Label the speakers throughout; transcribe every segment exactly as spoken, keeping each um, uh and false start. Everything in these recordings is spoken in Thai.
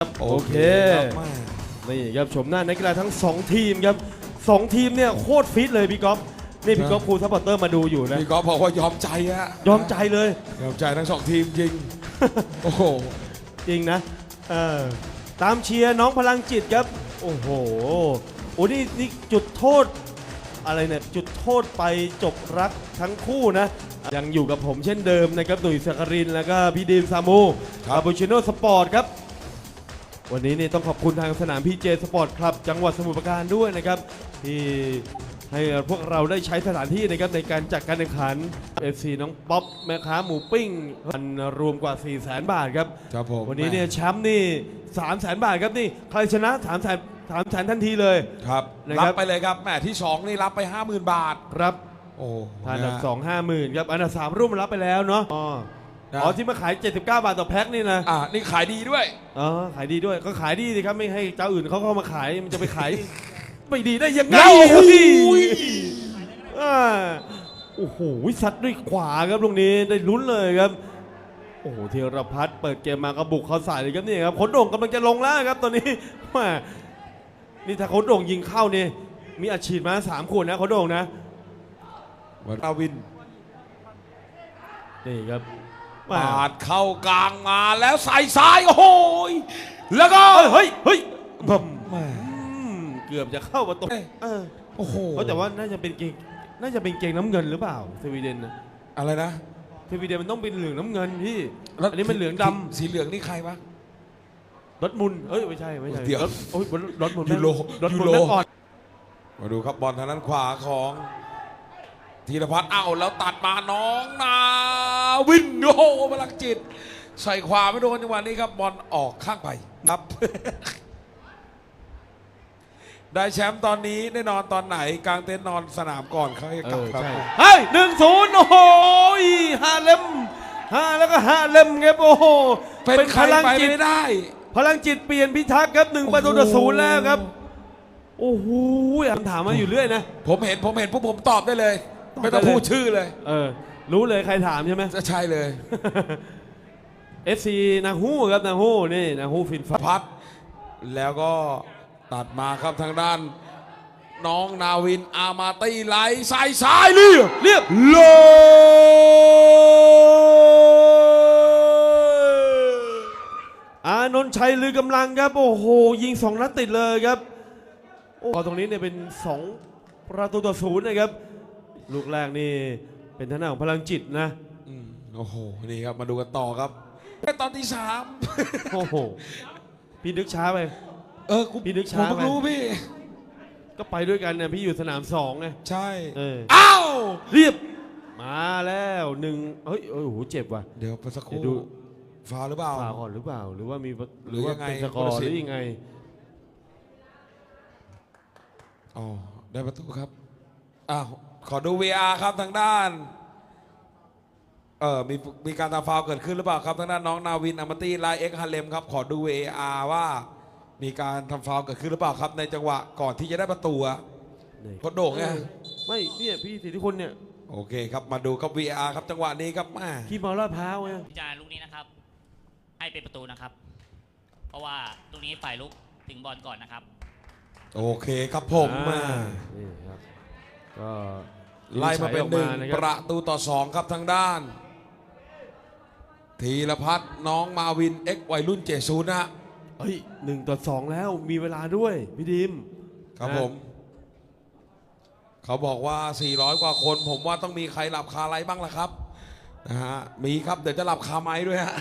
Speaker 1: โอเคนี่ครับชมหน้านักกีฬาทั้งสองทีมครับสองทีมเนี่ยโคตรฟิตเลยพี่ก๊อฟนี่พี่ก๊อฟครูซัพพอร์ตเตอร์มาดูอยู่นะ
Speaker 2: พี่ก๊อฟบอกว่ายอมใจฮะ
Speaker 1: ยอมใจเลย
Speaker 2: ยอมใจทั้งสองทีมจริง โอ้โห
Speaker 1: จริงนะเออตามเชียร์น้องพลังจิตครับโอ้โหโอ้นี่นี่จุดโทษอะไรเนี่ยจุดโทษไปจบรักทั้งคู่นะยังอยู่กับผมเช่นเดิมนะครับดุยสักรินแล้วก็พี่ดีมซามูคาปูชิโน่สปอร์ตครับวันนี้นี่ต้องขอบคุณทางสนามพีเจสปอร์ตคลับจังหวัดสมุทรปราการด้วยนะครับที่ให้พวกเราได้ใช้สถานที่นะครับในการจัดการแข่งขัน เอฟ ซี น้องป๊อปแม่ค้าหมูปิ้งมันรวมกว่า สี่แสน บาทครับ
Speaker 2: ครับผม
Speaker 1: วันนี้เนี่ยแชมป์นี่ สามแสน บาทครับนี่ใครชนะ สามแสน สามแสน ทันทีเลย
Speaker 2: ครับรับไปเลยครับแหมที่สองนี่รับไป ห้าหมื่น บาท
Speaker 1: ครับ
Speaker 2: โอ้
Speaker 1: อันดับสอง ห้าหมื่น ครับอันดับสามร่วมรับไปแล้วเนาะอ๋ออ๋อที่มาขายเจ็ดสิบเก้าบาทต่อแพ็คนี่นะ
Speaker 2: อ่านี่ขายดีด้วย
Speaker 1: อ๋อขายดีด้วยก็ขายดีสิครับไม่ให้เจ้าอื่นเขาเข้ามาขายมันจะไปขายไม่ดีได้ยังไงโอ้โหซัดด้วยขวาครับตรงนี้ได้ลุ้นเลยครับโอ้โหธีรพัฒน์เปิดเกมมากระบุกเขาใส่เลยครับนี่ครับขนโด่งกำลังจะลงแล้วครับตอนนี้ว่านี่ถ้าขนโด่งยิงเข้านี่มีอัดฉีดมาสามขวดนะขนโด่งนะ
Speaker 2: วันอาวิน
Speaker 1: นี่ครับ
Speaker 2: ปาดเข้ากลางมาแล้วใส่ซ้ายโอ้โหแล้วก็
Speaker 1: เฮ้ยเฮ้ยแบบเกือบจะเข้าประตู
Speaker 2: โอ้โห
Speaker 1: เขาแต่ว่าน่าจะเป็นเกงน่าจะเป็นเกงน้ำเงินหรือเปล่าสวีเดนนะ
Speaker 2: อะไรนะ
Speaker 1: สวีเดนมันต้องเป็นเหลืองน้ำเงินพี่อันนี้มันเหลืองดำ
Speaker 2: สีเหลืองนี่ใครวะ
Speaker 1: รถมุนเอ้ยไม่ใช่ไม่ใช่รถโอ้ยรถมุน
Speaker 2: ยูโร
Speaker 1: รถมุนแม่ก่อน
Speaker 2: มาดูครับบอลทางด้านขวาของธีรพัฒน์อ้าวแล้วตัดมาน้องนาวินโอ้โหพลังจิตใส่ขวาไม่โดนจังหวะนี้ครับบอลออกข้างไปครับ ได้แชมป์ตอนนี้ได้นอนตอนไหนกลางเต็นท์นอนสนามก่อนเขาให้กลับครับ
Speaker 1: เฮ้ยหนึ่งศูนย์โอ้โหห้าเล่มห้าแล้วก็ห้าเล่มครับโอ้โห
Speaker 2: เป็นพลังจิตไม่ได้
Speaker 1: พลังจิตเปลี่ยนพิทักษ์ครับหนึ่งประตูต่อศูนย์แล้วครับโอ้โหคำถามมาอยู่เรื่อยนะ
Speaker 2: ผมเห็นผมเห็นพวกผมตอบได้เลยไม่ต้องพูดชื่อเลย
Speaker 1: เออรู้เลยใครถามใช่ไหม
Speaker 2: จะใช่เลย
Speaker 1: เอฟ ซี นาฮู้ครับนาฮู้นี่นาฮู้ฟินฟ้า
Speaker 2: พัดแล้วก็ตัดมาครับทางด้านน้องนาวินอามาตีไหลใส่ซ้ายเรียบ
Speaker 1: เรียบ
Speaker 2: โล
Speaker 1: อานนท์ชัยลือกำลังครับโอ้โหยิงสองนัดติดเลยครับโอ้ตรงนี้เนี่ยเป็นสองประตูต่อศูนย์นะครับลูกแรกนี่เป็นทางด้านของพลังจิตนะ
Speaker 2: โอ้โหนี่ครับมาดูกันต่อครับแค่ตอนที่สาม
Speaker 1: โอ้โหพี่นึกช้าไป
Speaker 2: เออพี่นึกช้าผมรู้พี่
Speaker 1: ก็ไปด้วยกันเนี่ยพี่อยู่สนามสองไง
Speaker 2: ใช่
Speaker 1: เออ
Speaker 2: อ้าว
Speaker 1: เรียบมาแล้วหนึ่งเฮ้ยโอ้โหเจ็บว่ะ
Speaker 2: เดี๋ยวไปสักครู่ดูฟาวหรือเปล่า
Speaker 1: ฟาวก่อนหรือเปล่าหรือว่ามี
Speaker 2: หรือว่าเป็น
Speaker 1: สกอร์หรือยังไง
Speaker 2: อ๋อได้ประตูครับอ้าวขอดู วี อาร์ ครับทางด้านเออมีมีการทำฟาวเกิดขึ้นหรือเปล่าครับทางด้านน้องนาวินอามาตี้ไลเอ็กฮาเลมครับขอดู วี อาร์ ว่ามีการทำฟาวเกิดขึ้นหรือเปล่าครับในจังหวะก่อนที่จะได้ประตูอะโคตรโด่งไง
Speaker 1: ไม่เนี่ยพี่สิทธิคนเนี่ย
Speaker 2: โอเคครับมาดูครับ วี อาร์ ครับจังหวะนี้ครับมา
Speaker 1: ที่มาลาดพร้าวไง
Speaker 3: พิจารณาลูกนี้นะครับให้เป็นประตูนะครับเพราะว่าลูกนี้ฝ่ายลุกถึงบอลก่อนนะครับ
Speaker 2: โอเคครับผมมา
Speaker 1: ก็
Speaker 2: ไล่มาเป็นหนึ่งประตูต่อสองครับทางด้านธีรพัฒน์น้องมาวินเอ็กวัยรุ่นเจซูนะ
Speaker 1: เฮ้ยหนึ่งต่อสองแล้วมีเวลาด้วยพี่ดิม
Speaker 2: ครับผมเขาบอกว่าสี่ร้อยกว่าคนผมว่าต้องมีใครหลับคาไรบ้างล่ะครับนะฮะมีครับเดี๋ยวจะหลับคาไม้ด้วยฮะ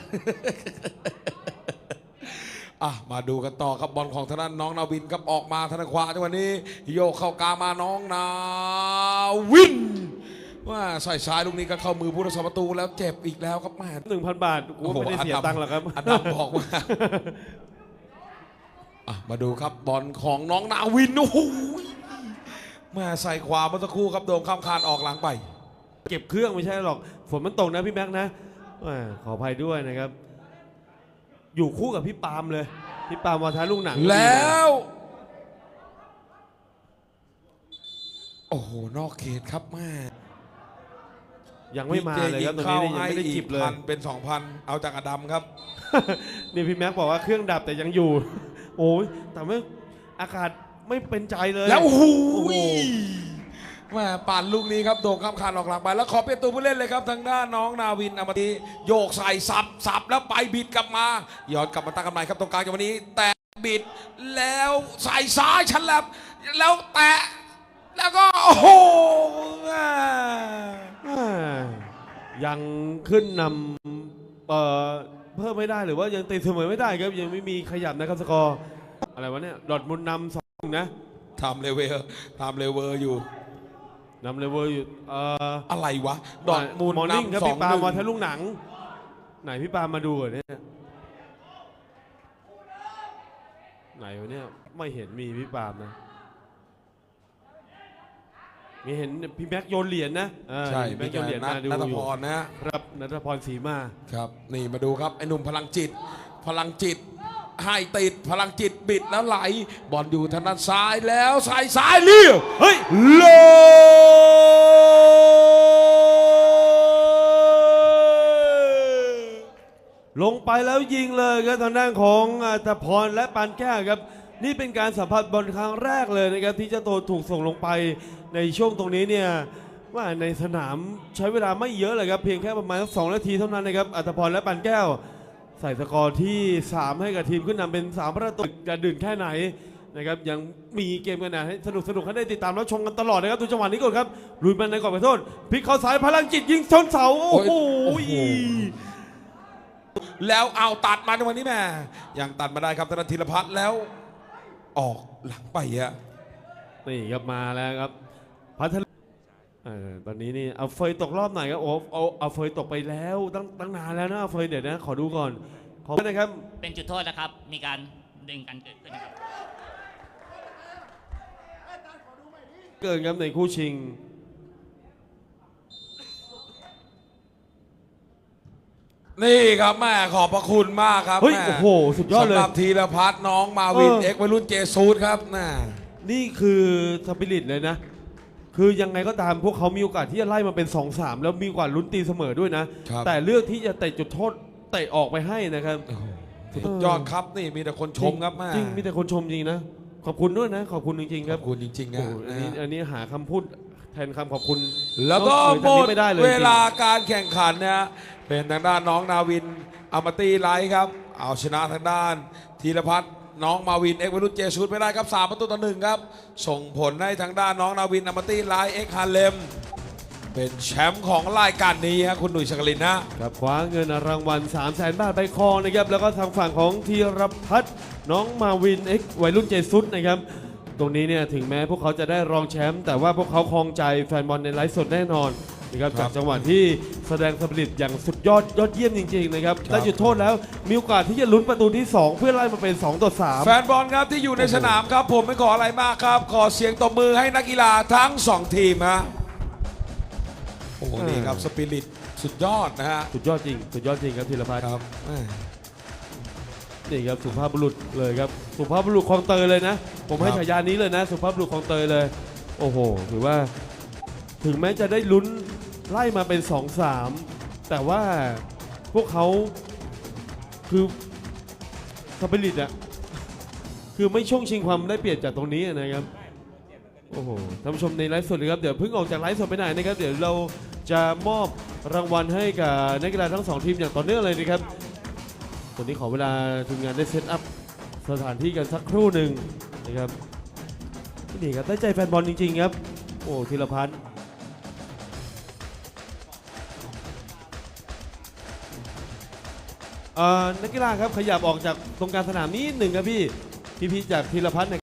Speaker 2: อ่ะมาดูกันต่อครับบอลของทางด้านน้องนาวินครับออกมาทางขวาจังหวะนี้โยกเข้ากลางมาน้องนาวินว่าใส่ซ้ายลูกนี้ก็เข้ามือผู้รักษาประตูแล้วเจ็บอีกแล้วครับแม่
Speaker 1: หนึ่งพันบาทกูไม่ได้เสียตังค์หรอกครับ
Speaker 2: อันดับบอกว่าอ่ะมาดูครับบอลของน้องนาวินโอ้โหมาใส่ขวาเมื่อสักครู่ครับโดนข้ามคานออกหลังไป
Speaker 1: เก็บเครื่องไม่ใช่หรอกฝนมันตกนะพี่แม็กนะขออภัยด้วยนะครับอยู่คู่กับพี่ปาล์มเลยพี่ปาล์มวาทะลูกหนัง
Speaker 2: แล้วโอ้โหนอกเขตครับแม่
Speaker 1: ยังไม่มาเลยครับตรงนี้ยังไม่ได้จิบเลย
Speaker 2: เป็นสองพันเอาจากอดัมครับ
Speaker 1: นี่พี่แม็กบอกว่าเครื่องดับแต่ยังอยู่ โอ้ยแต่ไม่อากาศไม่เป็นใจเลย
Speaker 2: แล้วโอ้โห
Speaker 1: โอ้โห
Speaker 2: แม่ปั่นลูกนี้ครับโด่งข้ามคานออกหลังไปแล้วขอเป็นตัวผู้เล่นเลยครับทางด้านน้องนาวินอมตีโยกใส่สับสับแล้วไปบิดกลับมาย้อนกลับมาตั้งกันใหม่ครับตรงกลางจังหวะนี้แตะบิดแล้วใส่ซ้ายชันแลบแล้วแตะแล้วก็โอ้โห
Speaker 1: อ่ายังขึ้นนำเอ่อเพิ่มไม่ได้หรือว่ายังตีเสมอไม่ได้ครับยังไม่มีขยับนะครับสกอร์อะไรวะเนี่ยดอร์ทมุนด์นำสองนะ
Speaker 2: ทำเลเวลทำเลเวลอยู่
Speaker 1: นำเลเวอร์อยู่เอ่อ
Speaker 2: อะไรวะดอทมูล
Speaker 1: มอร์นิ่งครับ
Speaker 2: นำสอง
Speaker 1: พี่ปา
Speaker 2: ห
Speaker 1: ล์
Speaker 2: นึ่
Speaker 1: ม
Speaker 2: ง
Speaker 1: มาทะลุหนัง ไหนพี่ปาล์มมาดูเหรอเนี่ยไหนวะเนี่ยไม่เห็นมีพี่ปาล์มนะมีเห็นพี่แม็กโยนเหรียญนะเออ
Speaker 2: ใช่
Speaker 1: พี่แม็
Speaker 2: มี
Speaker 1: กโยนเหรียญ
Speaker 2: นั
Speaker 1: มา
Speaker 2: ท
Speaker 1: ดู
Speaker 2: นัท
Speaker 1: อยู่
Speaker 2: พรนะฮะ
Speaker 1: ครับนัทพรศรีมา
Speaker 2: ครับนี่มาดูครับไอ้หนุ่มพลังจิต พลังจิตให้ติดพลังจิตบิดแล้วไหลบอลอยู่ทางด้านซ้ายแล้วใส่ซ้ายเลี้ยว
Speaker 1: เฮ้ย
Speaker 2: โล
Speaker 1: ลงไปแล้วยิงเลยครับทางด้านของอัตพรและปานแก้วครับนี่เป็นการสัมผัสบอลครั้งแรกเลยนะครับที่เจ้าตัวถูกส่งลงไปในช่วงตรงนี้เนี่ยว่าในสนามใช้เวลาไม่เยอะเลยครับเพียงแค่ประมาณสักสองนาทีเท่านั้นนะครับอัตพรและปานแก้ว ใส่สกอร์ที่สามให้กับทีมขึ้นนำเป็นสามประตูจะดื่นแค่ไหนนะครับยังมีเกมกันนะให้สนุกสนุกให้ได้ติดตามแล้วชมกันตลอดนะครับดูจังหวะนี้ก่อนครับลุยมันในกรอบขอโทษพลิกเข้าสายพลังจิตยิงชนเสาโอ้โห
Speaker 2: แล้วเอาตัดมาในวันนี้แม่ยังตัดมาได้ครับธนธีรพัฒน์แล้วออกหลังไปอะ
Speaker 1: นี่ครับมาแล้วครับพัทลุเออตอนนี้นี่เอาเฟยตกรอบไหนครับโอ้เอาเอาเฟยตกไปแล้วตั้งตั้งนานแล้วนะเอาเฟยเดี๋ยวนะขอดูก่อนขอนะครับ
Speaker 3: เป็นจุดโทษนะครับ มีการดึงกันเกิดขึ้นนะครับ
Speaker 1: เกินครับในคู่ชิง
Speaker 2: นี่ครับแม่ขอบพระคุณมากครับ
Speaker 1: เฮ้ย
Speaker 2: แม่
Speaker 1: โอ้โหสุดยอดเลย
Speaker 2: สำหรับธีรพัฒน์น้องมาวิน
Speaker 1: เออ
Speaker 2: เอ็กซ์วัยรุ่นเจซูดครับน่า
Speaker 1: นี่คือสปิริตเลยนะ คือยังไงก็ตามพวกเขามีโอกาสที่จะไล่มาเป็น สองสาม แล้วมีโอกาสลุ้นตีเสมอด้วยนะ
Speaker 2: ครับ
Speaker 1: แต่เลือกที่จะเตะจุดโทษเตะออกไปให้นะครับ
Speaker 2: สุดยอดครับนี่มีแต่คนชมครับแม่
Speaker 1: จริงมีแต่คนชมจริงนะ ขอบคุณด้วยนะ ขอบคุณจริงๆค
Speaker 2: ข
Speaker 1: รั
Speaker 2: อ
Speaker 1: บบ
Speaker 2: คุณจริงๆ
Speaker 1: โอ้
Speaker 2: นะ
Speaker 1: โหอัน
Speaker 2: นะ
Speaker 1: นี้
Speaker 2: ฮะ
Speaker 1: อันนี้หาคำพูดแทนคำขอบคุณ
Speaker 2: แล้วก็
Speaker 1: นอก
Speaker 2: หม
Speaker 1: จาก
Speaker 2: ด
Speaker 1: นี้ไม่ได้เลย
Speaker 2: เว
Speaker 1: จริง
Speaker 2: ลาการแข่งขันนะเป็นทางด้านน้องนาวินอมตีไลท์ครับเอาชนะทางด้านธีรพัฒน์น้องมาวินเอ็กซ์วัยรุ่นเจซูดไปได้ครับสามประตูต่อหนึ่งครับส่งผลให้ทางด้านน้องนาวินอมตีไลท์เอ็กซ์ฮาเลมเป็นแชมป์ของรายการนี้ครับคุณหนุ่ยชกลินนะครับ
Speaker 1: คว้าเงินรางวัล สามแสน บาทไปครองนะครับ แล้วก็ทางฝั่งของธีรพัฒน์น้องมาวินเอ็กซ์วัยรุ่นเจซุดนะครับ ตรงนี้เนี่ยถึงแม้พวกเขาจะได้รองแชมป์แต่ว่าพวกเขาครองใจแฟนบอลในไลฟ์สดแน่นอนนะครับจากจังหวะที่แสดงสปิริตอย่างสุดยอดยอดเยี่ยมจริงๆนะครับได้จุดโทษแล้วมีโอกาสที่จะลุ้นประตูที่ สอง เพื่อไล่มาเป็น สองต่อสาม
Speaker 2: แฟนบอลครับที่อยู่ในสนามครับผมไม่ขออะไรมากครับ ขอเสียงตบมือให้นักกีฬาทั้งสองทีมฮะโอ้โหนี่ครับสปิริตสุดยอดนะฮะ
Speaker 1: สุดยอดจริงสุดยอดจริงครับธีรพัฒน์
Speaker 2: ครับแม่
Speaker 1: นี่ครับสุภาพบุรุษเลยครับสุภาพบุรุษคลองเตยเลยนะ ผมให้
Speaker 2: ครับ
Speaker 1: ฉายานี้เลยนะ สุภาพบุรุษคลองเตยเลย โอ้โหถือว่าถึงแม้จะได้ลุ้นไล่มาเป็น สองสาม แต่ว่าพวกเขาคือสปิริตอะคือไม่ช่วงชิงความได้เปรียบจากตรงนี้นะครับโอ้โหท่านผู้ชมในไลฟ์สดเลยครับเดี๋ยวเพิ่งออกจากไลฟ์สดไปไหนนะครับเดี๋ยวเราจะมอบรางวัลให้กับนักกีฬาทั้งสองทีมอย่างต่อเนื่องเลยนะครับ ตอนนี้ขอเวลาทีมงานได้เซตอัพสถานที่กันสักครู่หนึ่งนะครับนี่ครับได้ใจแฟนบอลจริงๆครับโอ้ธีรพัฒน์เอ่อนักกีฬาครับขยับออกจากตรงกลางสนามนิดหนึ่งครับพี่พี่ๆจากธีรพัฒน์